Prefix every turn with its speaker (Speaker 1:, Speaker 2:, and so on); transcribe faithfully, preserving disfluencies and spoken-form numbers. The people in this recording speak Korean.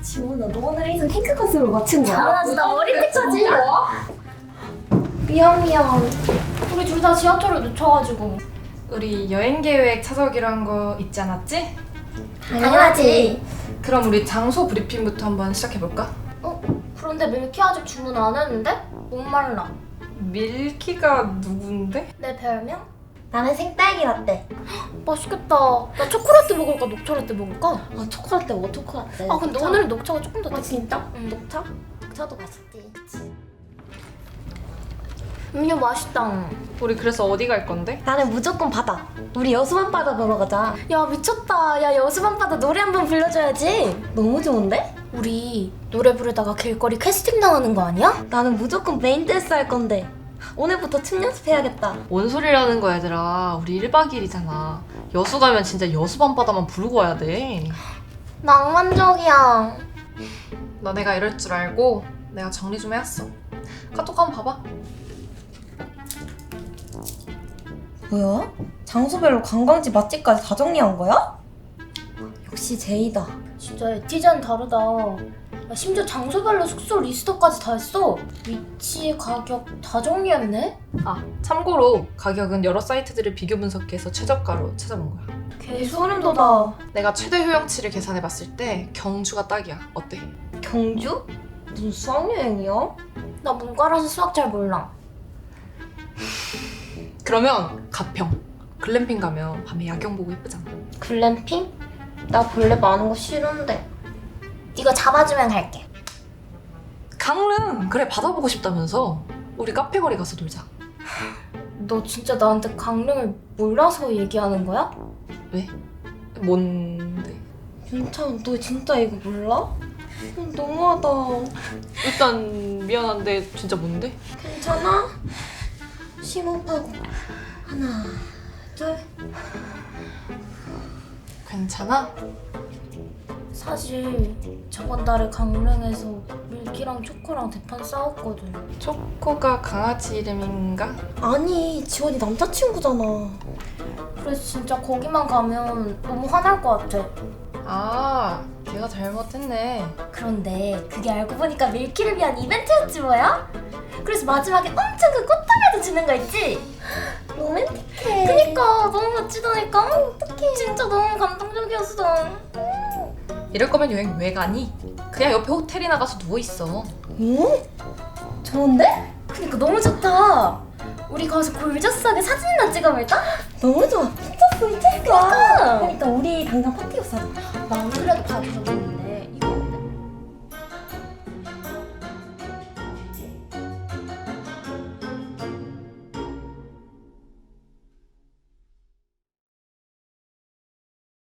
Speaker 1: 지원아, 너 오늘 일선 핑크 컨셉으로 맞춘 거야?
Speaker 2: 당연하지, 나 어릴 때까지.
Speaker 1: 미안 미안.
Speaker 2: 우리 둘 다 지하철을 놓쳐가지고.
Speaker 3: 우리 여행 계획 찾아오기로 한 거 있지 않았지?
Speaker 2: 당연하지.
Speaker 3: 그럼 우리 장소 브리핑부터 한번 시작해볼까?
Speaker 2: 어? 그런데 밀키 아직 주문 안 했는데? 목말라.
Speaker 3: 밀키가 누군데?
Speaker 2: 내 별명?
Speaker 1: 나는 생딸기 라떼.
Speaker 2: 맛있겠다. 나 초콜릿 먹을까 녹차 라떼 먹을까?
Speaker 1: 아 초콜릿 뭐 초콜릿.
Speaker 2: 아 근데 오늘은 녹차가 조금 더
Speaker 1: 아 진짜?
Speaker 2: 응.
Speaker 1: 녹차? 녹차도 맛있지.
Speaker 2: 음료 맛있다.
Speaker 3: 우리 그래서 어디 갈 건데?
Speaker 1: 나는 무조건 바다. 우리 여수밤바다 보러 가자.
Speaker 2: 야 미쳤다. 야 여수밤바다 노래 한번 불러줘야지.
Speaker 1: 너무 좋은데?
Speaker 2: 우리 노래 부르다가 길거리 캐스팅 당하는 거 아니야?
Speaker 1: 나는 무조건 메인 댄스 할 건데. 오늘부터 춤 연습해야겠다.
Speaker 4: 뭔 소리라는 거야 얘들아. 우리 일 박 이 일이잖아. 여수 가면 진짜 여수 밤바다만 부르고 와야 돼.
Speaker 2: 낭만적이야.
Speaker 3: 너네가 이럴 줄 알고 내가 정리 좀 해왔어. 카톡 한번 봐봐.
Speaker 1: 뭐야? 장소별로 관광지 맛집까지 다 정리한 거야? 역시 제이다.
Speaker 2: 진짜 에티젠 다르다. 야, 심지어 장소별로 숙소 리스트까지 다 했어. 위치, 가격 다 정리했네?
Speaker 3: 아, 참고로 가격은 여러 사이트들을 비교 분석해서 최저가로 찾아본 거야.
Speaker 2: 개
Speaker 1: 소름 돋아.
Speaker 3: 내가 최대 효용치를 계산해봤을 때 경주가 딱이야. 어때?
Speaker 1: 경주? 무슨 수학여행이야?
Speaker 2: 나 문과라서 수학 잘 몰라.
Speaker 3: 그러면 가평. 글램핑 가면 밤에 야경 보고 예쁘잖아.
Speaker 1: 글램핑? 나 벌레 많은 거 싫은데.
Speaker 2: 네가 잡아주면 갈게.
Speaker 3: 강릉! 그래, 바다 보고 싶다면서. 우리 카페 거리 가서 놀자.
Speaker 2: 너 진짜 나한테 강릉을 몰라서 얘기하는 거야?
Speaker 3: 왜? 뭔데?
Speaker 1: 윤찬, 너 진짜 이거 몰라? 음, 너무하다.
Speaker 3: 일단 미안한데 진짜 뭔데?
Speaker 1: 괜찮아? 심호흡하고 하나, 둘.
Speaker 3: 괜찮아?
Speaker 2: 사실 저번 달에 강릉에서 밀키랑 초코랑 대판 싸웠거든.
Speaker 3: 초코가 강아지 이름인가?
Speaker 1: 아니, 지원이 남자친구잖아.
Speaker 2: 그래서 진짜 거기만 가면 너무 화날 것 같아.
Speaker 3: 아, 걔가 잘못했네.
Speaker 2: 그런데 그게 알고 보니까 밀키를 위한 이벤트였지 뭐야? 그래서 마지막에 엄청 그 꽃다발도 주는 거 있지?
Speaker 1: 로맨틱해.
Speaker 2: 그니까 너무 멋지다니까? 어떡해. 진짜 너무 감동적이었어.
Speaker 3: 이럴 거면 여행 왜 가니? 그냥 옆에 호텔이나 가서 누워있어.
Speaker 1: 오? 좋은데?
Speaker 2: 그니까 너무 좋다. 우리 가서 골저스하게 사진이나 찍어볼까?
Speaker 1: 너무 좋아. 미쳤어, 미쳤어. 그러니까 우리 당장 파티 옷 사자.
Speaker 2: 나 안 그래도 봐줘서 너무